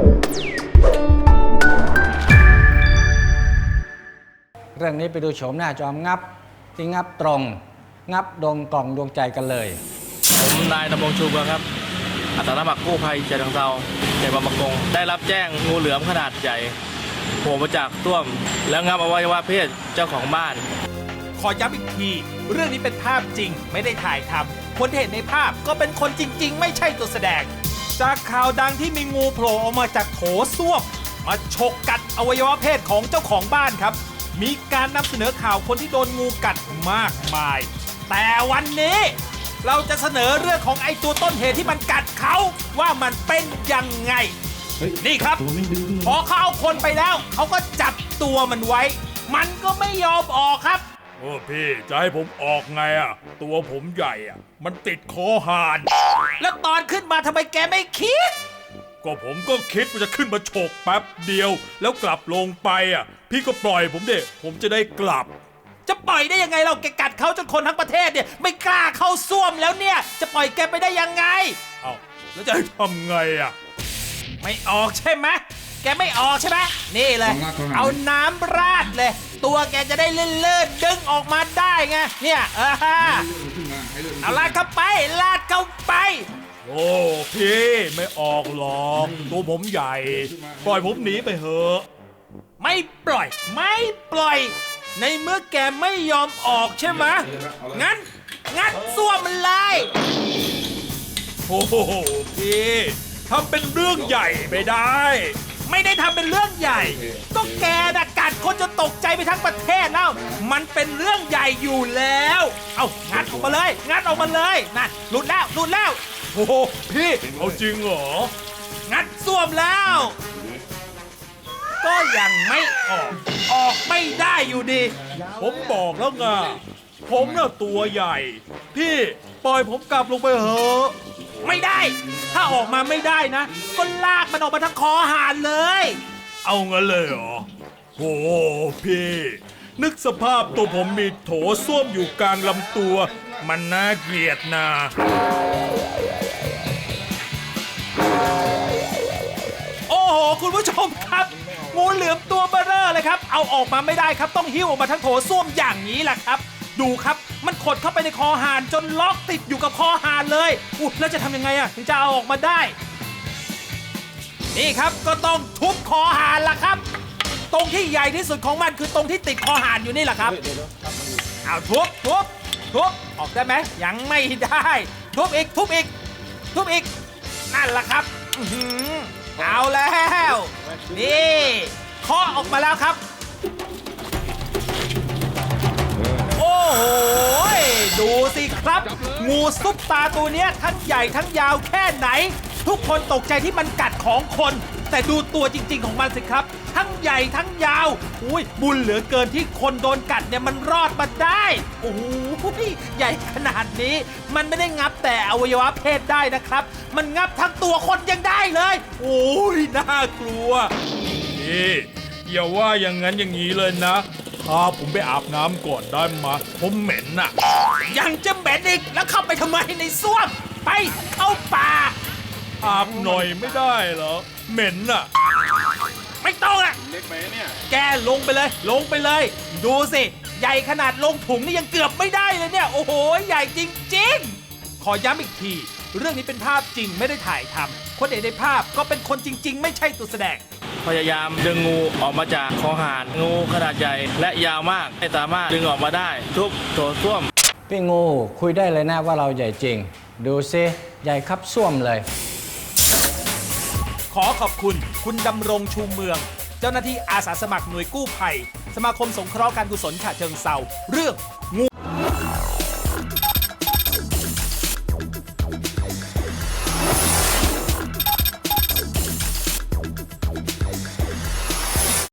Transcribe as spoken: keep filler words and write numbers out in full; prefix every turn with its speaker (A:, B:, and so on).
A: เรื่องนี้ไปดูโฉมหน้าจอมงับที่งับตรงงับดวงกล่องดวงใจกันเลย
B: ผมนายดำรงชูเมืองครับอาสาสมัครกู้ภัยฉะเชิงเทราเขตบางประกงได้รับแจ้งงูเหลือมขนาดใหญ่โผล่มาจากต้วมแล้วงับอวัยวะเพศเจ้าของบ้าน
C: ขอย้ำอีกทีเรื่องนี้เป็นภาพจริงไม่ได้ถ่ายทำคนที่เห็นในภาพก็เป็นคนจริงๆไม่ใช่ตัวแสดงจากข่าวดังที่มีงูโผล่ออกมาจากโถส้วมมาฉกกัดอวัยวะเพศของเจ้าของบ้านครับมีการนำเสนอข่าวคนที่โดนงูกัดมากมายแต่วันนี้เราจะเสนอเรื่องของไอ้ตัวต้นเหตุที่มันกัดเขาว่ามันเป็นยังไงนี่ครับพอเขาเอาคนไปแล้วเขาก็จับตัวมันไว้มันก็ไม่ยอมออกครับ
D: โอ้พี่จะให้ผมออกไงอ่ะตัวผมใหญ่อ่ะมันติดคอหาน
C: แล้วตอนขึ้นมาทำไมแกไม่คิด
D: ก็ผมก็คิดว่าจะขึ้นมาฉกแป๊บเดียวแล้วกลับลงไปอ่ะพี่ก็ปล่อยผมเด็กผมจะได้กลับ
C: จะปล่อยได้ยังไงเราแกกัดเขาจนคนทั้งประเทศเนี่ยไม่กล้าเข้าส้วมแล้วเนี่ยจะปล่อยแกไปได้ยังไง
D: เอ้าแล้วจะให้ทำไงอ่ะ
C: ไม่ออกใช่ไหมแกไม่ออกใช่ไหมนี่เลยเอาน้ำราดเลยตัวแกจะได้เลื่อนๆดึงออกมาได้ไงเนี่ยเออเอาลาดเข้าไปลาดเข้าไป
D: โอ้พี่ไม่ออกหรอกตัวผมใหญ่ปล่อยผมหนีไปเถอะ
C: ไม่ปล่อยไม่ปล่อยในเมื่อแกไม่ยอมออกใช่ไหมงั้นงัดส้วมมันเลย
D: โอ้โหพี่ทำเป็นเรื่องใหญ่ไปได้
C: ไม่ได้ทำเป็นเรื่องใหญ่ก็แกน่ะกัดคนจนตกใจไปทั้งประเทศแล้วมันเป็นเรื่องใหญ่อยู่แล้วเอางัดออกมาเลยงัดออกมาเลยนั่นหลุดแล้วหลุดแล้ว
D: โอ้โหพี่เอาจริงเหรอ
C: งัดส้วมแล้วก็ยังไม่ออกออกไม่ได้อยู่ดี
D: ผมบอกแล้วไงผมน่ะตัวใหญ่พี่ปล่อยผมกลับลงไปเถอะ
C: ไม่ได้ถ้าออกมาไม่ได้นะก็ลากมันออกมาทั้งคอหานเลย
D: เอางั้นเลยเหรอโอ้พี่นึกสภาพตัวผมมีโถส้วมอยู่กลางลำตัวมันน่าเกลียดนะ
C: โอ้โหคุณผู้ชมครับงูเหลือมตัวเบ้อเร่อเลยครับเอาออกมาไม่ได้ครับต้องหิ้วออกมาทั้งโถส้วมอย่างนี้แหละครับดูครับมันขดเข้าไปในคอหานจนล็อกติดอยู่กับคอหานเลยอุ๊ยแล้วจะทำยังไงอะถึงจะเอาออกมาได้นี่ครับก็ต้องทุบคอหานล่ะครับตรงที่ใหญ่ที่สุดของมันคือตรงที่ติดคอหานอยู่นี่แหละครับเอาทุบทุบทุบออกได้ไหมยังไม่ได้ทุบอีกทุบอีกทุบอีกนั่นแหละครับเอาแล้วนี่เคาะออกมาแล้วครับโอ้โหดูสิครับงูซุปตาตัวนี้ทั้งใหญ่ทั้งยาวแค่ไหนทุกคนตกใจที่มันกัดของคนแต่ดูตัวจริงๆของมันสิครับทั้งใหญ่ทั้งยาวอุ้ยบุญเหลือเกินที่คนโดนกัดเนี่ยมันรอดมาได้โอ้โหใหญ่ขนาดนี้มันไม่ได้งับแต่อวัยวะเพศได้นะครับมันงับทั้งตัวคนยังได้เลยโอ้ยน่ากลัว
D: นี่อย่าว่าอย่างนั้นอย่างนี้เลยนะพาผมไปอาบน้ำก่อนได้ไหมผมเหม็นน่ะ
C: ยังจะเหม็นอีกแล้วเข้าไปทำไมในส้วมไปเข้าป่า
D: อาบหน่อยไม่ได้เหรอเหม็นน่ะ
C: ไม่ต้องอ่ะเล็กไปเนี่ยแกลงไปเลยลงไปเลยดูสิใหญ่ขนาดลงถุงนี่ยังเกือบไม่ได้เลยเนี่ยโอ้โหใหญ่จริงๆขอย้ำอีกทีเรื่องนี้เป็นภาพจริงไม่ได้ถ่ายทำคนเห็นในภาพก็เป็นคนจริงๆไม่ใช่ตัวแสดง
B: พยายามดึงงูออกมาจากคอหานงูขนาดใหญ่และยาวมากไม่สามารถดึงออกมาได้ทุบโถส้วม
A: พี่งูคุยได้เลยนะว่าเราใหญ่จริงดูซิใหญ่ครับส้วมเลย
C: ขอขอบคุณคุณดำรงชูเมืองเจ้าหน้าที่อาสาสมัครหน่วยกู้ภัยสมาคมสงเคราะห์การกุศลฉะเชิงเทราเรื่องงู